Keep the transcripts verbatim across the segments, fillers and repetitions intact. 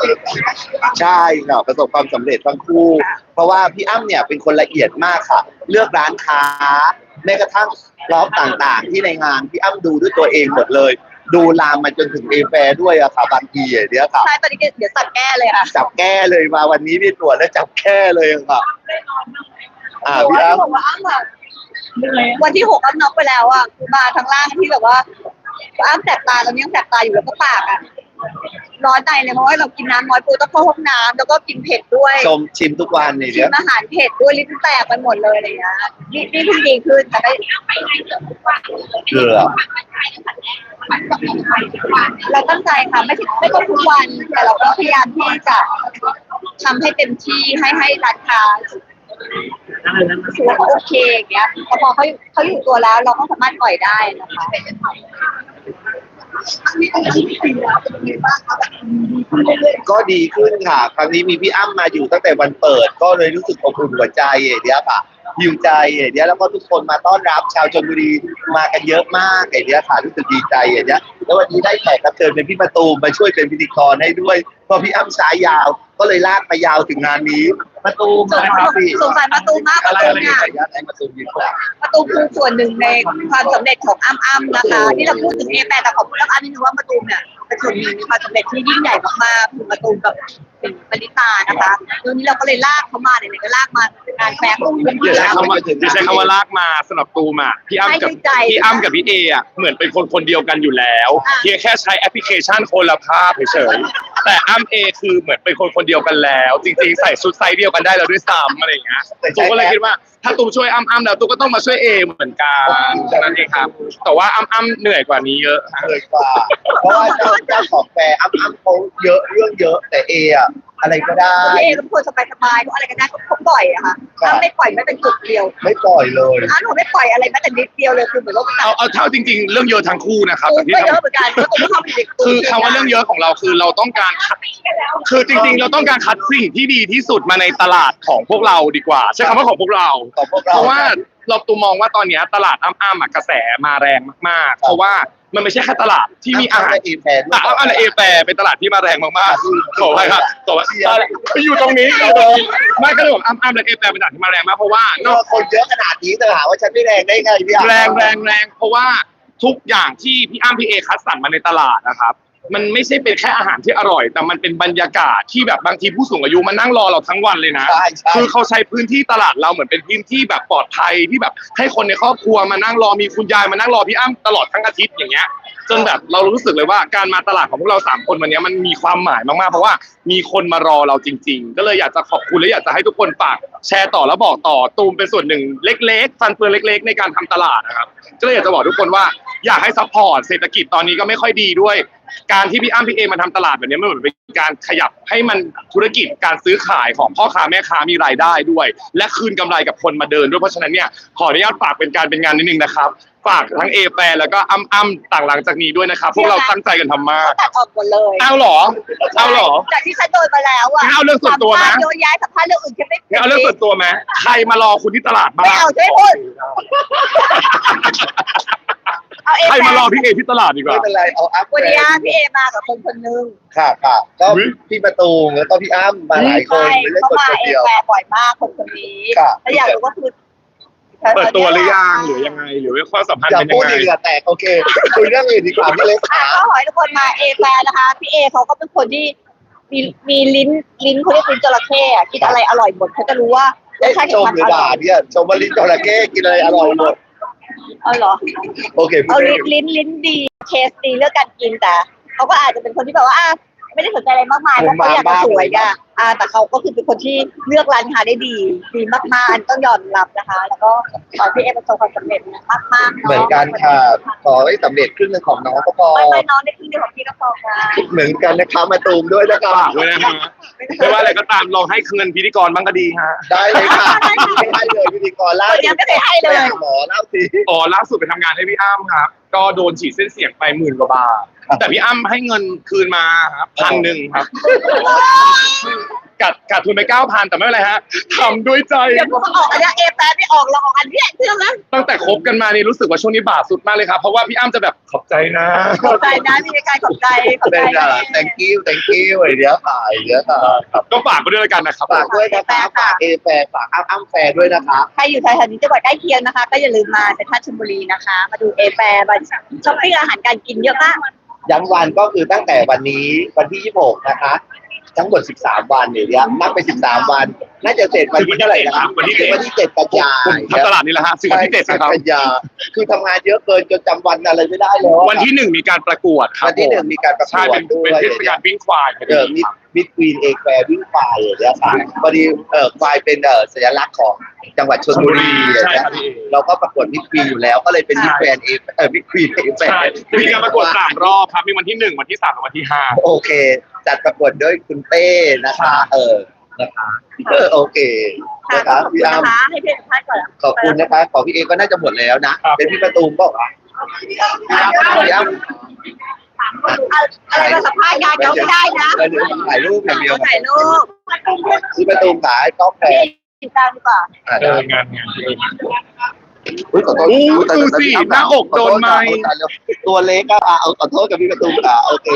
ใช่ค่ะประสบความสำเร็จทั้งคู่เพราะว่าพี่อ้ำเนี่ยเป็นคนละเอียดมากค่ะเลือกร้านค้าแม้กระทั่งรอบต่างๆที่ในงานพี่อ้ำดูด้วยตัวเองหมดเลยดูลามมาจนถึงเอแฟร์ด้วยอะค่ะบางทีอย่างเนี้ยค่ะใช่ตอนนี้เดี๋ยวจับแก้เลยค่ะจับแก้เลยมาวันนี้พี่ตรวจแล้วจับแก้เลยค่ะอ่าพี่อ้ำบอกว่าอ้ำอะวันที่หกอ้ำน็อกไปแล้วอ่ะคือมาทั้งล่างที่แบบว่าอ้ำแสบตาตอนนี้ยังแสบตาอยู่แล้วก็ปากอ่ะร้อนในเลยเพราะว่าเรากินน้ำน้อยปูต้องเข้าห้องน้ำแล้วก็กินเผ็ดด้วยชมชิมทุกวันเนี่ยชิมอาหารเผ็ดด้วยลิ้นแตกไปหมดเลยอะไรเงี้ยนี่นี่เพิ่งดีขึ้นแต่ก็เกลือเราตั้งใจค่ะไม่ใช่ไม่ต้องทุกวันแต่เราก็พยายามที่จะทำให้เต็มที่ให้ให้ร้านค้ารู้สึกว่าเขาโอเคอย่างเงี้ยแต่พอเขาเขาอยู่ตัวแล้วเราก็สามารถปล่อยได้นะคะก็ดีขึ้นค่ะครั้งนี้มีพี่อ้ำมาอยู่ตั้งแต่วันเปิดก็เลยรู้สึกอบอุ่นหัวใจอย่างเนี้ยค่ะหิวใจอย่างเนี้ยแล้วก็ทุกคนมาต้อนรับชาวชลบุรีมากันเยอะมากอย่างเนี้ยค่ะรู้สึกดีใจอย่างเนี้ยแล้ววันนี้ได้แขกรับเชิญเป็นพี่ประตูมาช่วยเป็นพิธีกรให้ด้วยเพราะพี่อ้ำสายยาวก็เลยลากไปยาวถึงงานนี้ประตูมาพี่สงสารประตูมากประตูเนี่ยประตูยิงแล้วประตูคือส่วนหนึ่งในความสำเร็จของอ้ำอ้ำนะคะที่เราพูดถึงเอแปแต่ขอบคุณอ้ำนิดนึงว่าประตูเนี่ยเป็นส่วนหนึ่งในความสำเร็จที่ยิ่งใหญ่มากๆคือประตูกับเป็นปณิตานะคะตรงนี้เราก็เลยลากเขามาเนี่ยก็ลากมางานแฟร์ของเพื่อนๆใช้คำว่าใช้คำว่าลากมาสำหรับตูมอ่ะพี่อ้ำกับพี่อ้ำกับพี่เออ่ะเหมือนเป็นคนคนเดียวกันอยู่แล้วเพียงแค่ใช้แอปพลิเคชันคนละภาพเฉยๆแต่อ้ำเอคือเหมือนเป็นคนคนเดียวกันแล้วจริงๆใส่ชุดไซส์เดียวกันได้แล้วด้วยซ้ำอะไรอย่างเงี้ยตูมก็เลยคิดว่าถ้าตูมช่วยอ้ำอ้ำแล้วตูมก็ต้องมาช่วยเอเหมือนกันนั่นเองครับแต่ว่าอ้ำอ้ำเหนื่อยกว่านี้เยอะเหนื่อยกว่าเพราะว่าเจ้าเจ้าของแฟร์อ้ำอ้ำเขาเยอะเรื่องเยอะแต่เออะอะไรก็ได้เอก็ควรสบายๆอะไรก็ได้เขาปล่อยอะค่ะอ้ำไม่ปล่อยไม่เป็นจุดเดียวไม่ปล่อยเลยอ้ำหนูไม่ปล่อยอะไรแม้แต่นิดเดียวเลยคือเหมือนว่าเอาเอาเท่าจริงๆเรื่องเยอะทั้งคู่นะครับแต่ที่เยอะเหมือนกันก็ต้องเข้าไปเด็กคือคำว่าเรื่องเยอะของเราคือเราต้องการคือจริงๆเราต้องการคัดสิ่งที่ดีที่สุดมาในตลาดของพวกเราดีกว่าใช้คำว่าของพวกเราเพราะว่าเราตัวมองว่าตอนนี้ตลาดอ้ำๆกระแสมาแรงมากๆเพราะว่ามันไม่ใช่แค่ตลาดที่มีอาหารเอแฟร์แต่อ้ำเอแฟร์เป็นตลาดที่มาแรงมากๆขอไปครับขอไปอยู่ตรงนี้ไม่ก็เลยบอกอ้ำๆและเอแฟร์เป็นตลาดที่มาแรงมากเพราะว่านอกคนเยอะขนาดนี้จะถามว่าฉันไม่แรงได้ไงพี่แรงแรงแรงเพราะว่าทุกอย่างที่พี่อ้ำพี่เอคัดสรรมาในตลาดนะครับมันไม่ใช่เป็นแค่อาหารที่อร่อยแต่มันเป็นบรรยากาศที่แบบบางทีผู้สูงอายุมานั่งรอเราทั้งวันเลยนะคือเขาใช้พื้นที่ตลาดเราเหมือนเป็นพื้นที่แบบปลอดภัยที่แบบให้คนในครอบครัวมานั่งรอมีคุณยายมานั่งรอพี่อ้ำตลอดทั้งอาทิตย์อย่างเงี้ยจนแบบเรารู้สึกเลยว่าการมาตลาดของพวกเราสามคนวันนี้มันมีความหมายมากๆเพราะว่ามีคนมารอเราจริงๆก็เลยอยากจะขอบคุณและอยากจะให้ทุกคนฝากแชร์ต่อแล้วบอกต่อตูมเป็นส่วนหนึ่งเล็กๆฟันเฟืองเล็กๆในการทำตลาดนะครับก็เลยอยากจะบอกทุกคนว่าอยากให้ซัพพอร์ตเศรษฐกิจตอนนี้ก็ไม่ค่อยดีด้วยการที่พี่อ้ำพี่เอมาทำตลาดแบบนี้มันเหมือนเป็นการขยับให้มันธุรกิจการซื้อขายของพ่อค้าแม่ค้ามีรายได้ด้วยและคืนกำไรกับคนมาเดินด้วยเพราะฉะนั้นเนี่ยขออนุญาตฝากเป็นการเป็นงานนิดนึงนะครับฝากทั้งเอแฟร์แล้วก็อ้ำอ้ำต่างหลังจากนี้ด้วยนะครับพวกเราตั้งใจกันทำมากตัดออกหมดเลยเอาหรอเอาหรอจากที่ฉันโดนมาแล้วอะเอาเรื่องส่วนตัวไหมโดนย้ายสัมภาษณ์เรื่องอื่นแค่ไม่เอาเรื่องส่วนตัวไหมใครมารอคุณที่ตลาดบ้างไม่เอาใช่พูดใครมารอพี่เอที่ตลาดดีกว่าไม่เป็นไรเอาอัพวันนี้พี่เอมากับคนคนนึงค่ะค่ะก็พี่ประตูแล้วก็พี่อ้ำมาหลายคนไม่ได้คนเดียวเขามาเอแฟร์บ่อยมากคนคนนี้ถ้าอยากรู้ว่าคือเปิดตัวหรือยังหรือยังไงหรือว่าความสัมพันธ์เป็นยังไงอย่าพูดเหงื่อแตกโอเคคุยเรื่องอื่นดีกว่าพี่เล็กค่ะก็ขอให้ทุกคนมาเอแฟร์นะคะพี่เอเขาก็เป็นคนที่มีมีลิ้นลิ้นเขาเรียกลิ้นจระเข้อะกินอะไรอร่อยหมดเขาจะรู้ว่าไม่ใช่ชมหรือด่าเนี่ยชมว่าลิ้นจระเข้กินอะไรอร่อยหมดเอาเหรอโอเคเอาลิ้นลิ้นลิ้นดีเทสดีเรื่องการกินแต่เขาก็อาจจะเป็นคนที่แบบว่าไม่ได้สนใจอะไรมากมายเพราะเขาอยากจะสวยอ่ะอ่าแต่เขาก็คือเป็นคนที่เลือกร้านค้าได้ดีดีมากๆต้องยอมรับนะคะแล้วก็ขอพี่เอประสบความสำเร็จมากๆเหมือนกันค่ะขอให้สำเร็จครึ่งนึงของน้องก็พอไม่ไม่น้องได้ครึ่งนึงของพี่ก็พอค่ะเหมือนกันนะคะมาตูมด้วยนะคะด้วยนะฮะไม่ว่าอะไรก็ตามลองให้เงินพิธีกรบ้างก็ดีฮะได้เลยค่ะให้เลยพิธีกรล่าสุดยังไม่ได้ให้เลยหมอเล่าสิอ๋อล่าสุดไปทำงานให้พี่อ้ำครับก็โดนฉีดเส้นเสียงไปหมื่นกว่าบาทแต่พี่อ้ำให้เงินคืนมาครับพันหนึ่งครับกัดกัดทุนไปเก้าพันแต่ไม่เป็นไรฮะทำด้วยใจเดี๋ยวพวกเขาออกอันเนี้ยเอแปไม่ออกเราออกอันเนี้ยเชื่อไหมตั้งแต่คบกันมานี่รู้สึกว่าช่วงนี้บาปสุดมากเลยครับเพราะว่าพี่อ้ำจะแบบขอบใจนะขอบใจนะมีการขอบใจขอบใจเป็นอ่ะ thank you thank you ไอเดียค่ะไอเดียค่ะก็ฝากไปด้วยแล้วกันนะครับฝากด้วยนะคะฝากเอแฟร์ฝากอ้ำอ้ำแฟร์ด้วยนะคะใครอยู่แถวๆนี้จังหวัดใกล้เคียงนะคะ ก็อย่าลืมมาเซ็นทรัลชลบุรีนะคะ มาดูเอแปมาช้อปปิ้งอาหารการกินเยอะมากย้ำวันก็คือตั้งแต่วันนี้วันที่ยี่สิบหกนะคะ ทั้งหมดสิบสามวันเนี่ยเนี่ยนับไปสิบสามวัน น่าจะเสร็จวันที่เท่าไหร่นะครับวันที่เจ็ดวันที่เจ็ดกันยาทำตลาดนี่แหละฮะสิบวันที่เจ็ดนะครับกันยาคือทำงานเยอะเกินจนจำวันอะไรไม่ได้แล้ววันที่หนึ่งมีการประกวดครับวันที่หนึ่งมีการประกใช่วเป็ดนด้วยเป็นเทศกาลวิ่งควายเออมิดมิดควีนเอแฟร์วิ่งควายอย่างเงี้ยค่ะพอดีเออควายเป็นเออสัญลักษณ์ของจังหวัดชลบุรีอย่างใช่เงี้คยรับพี่เราก็ประกวดมิดควีนอยู่แล้วก็เลยเป็นมิดแฟนเอเออมิดควีนเอแฟใช่ร์มีการประกวดสามรอบครับมีวันที่หนึ่งวันที่สามและวันที่ห้าโอเค จัดประกวดด้วยคุณเต้นะคะ เออนะคะเออโอเคค่ะนะขคะอบคุณพี่อ้ำนะคะให้เพื่อนท่านก่อนขอบคุณนะคะของพี่เอก็น่าจะหมดแล้วนะเป็นพี่ประตูมบอกว่าพี่อ้ำอะไรมาสัมภาษณ์งานเขาไม่ได้นะเออเดี๋ยวถ่ายรูปอย่างเดียวถ่ายรูปพี่ประตูมขายกาแฟพี่ติดตามดีกว่าอ่าเอได้องานงานอุ๊ยขอโทษอู้อุ๊ยแต่ดูสิพี่อ้ำหน้าอกโดนไม้ขอโทษค่ะตัวเล็กก็อ่ะเอาขอโทษกับพี่ประตูมค่ะโอเค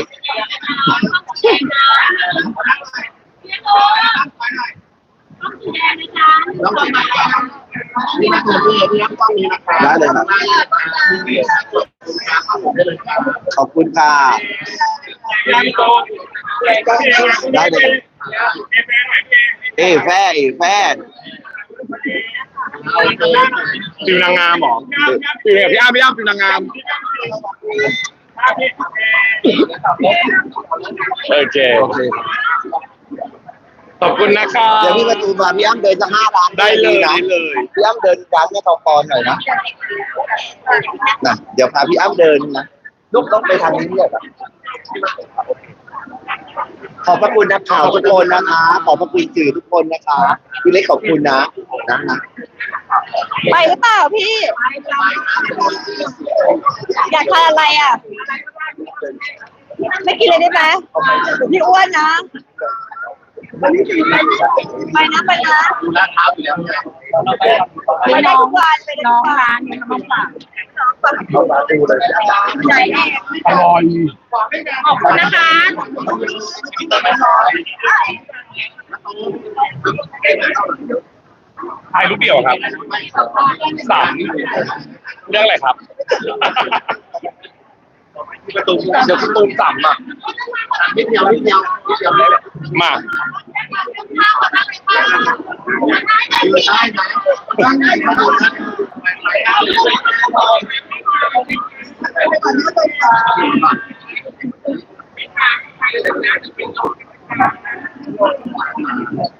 ได้เลยครับขอบคุณค่ะได้เลยเอ้แฟเอ้แฟฟิวนางงามเหรอฟิวเนี่ยพี่อ้ำพี่อ้ำฟิวนางงามโอเคโอเคขอบคุณนะครับเดี๋ยวพี่ประตูมาพี่อ้ำเดินจะห้าร้านได้เลยนะได้เลยพี่อ้ำเดินร้านแม่ทองกรหน่อยนะนะเดี๋ยวพาพี่อ้ำเดินนะลูกต้องไปทางนี้เนี่ยแบบขอบพระคุณนักข่าวทุกคนนะคะ ขอบพระคุณสื่อทุกคนนะคะพี่เล็กขอบคุณนะนะนะไปหรือเปล่าพี่ อยากทานอะไรอ่ะ ไม่กินเลยได้ไหมพี่อ้วนนะไปนะไปนะดูลาดเท้าอยู่แล้วไงไปได้ทุกวันไปได้ทุกวันน้องร้านเขามาฝากเข้ามาดูเลยไหนเนี่ยอร่อยขอบคุณนะคะถ่ายรูปเดียวครับสามเรื่องอะไรครับประตูเดี๋ยวประตูสามอ่ะนิดเดียวนิดเดียวนิดเดียวได้เลยมาดูได้ไหมได้ไหมมาดูนะ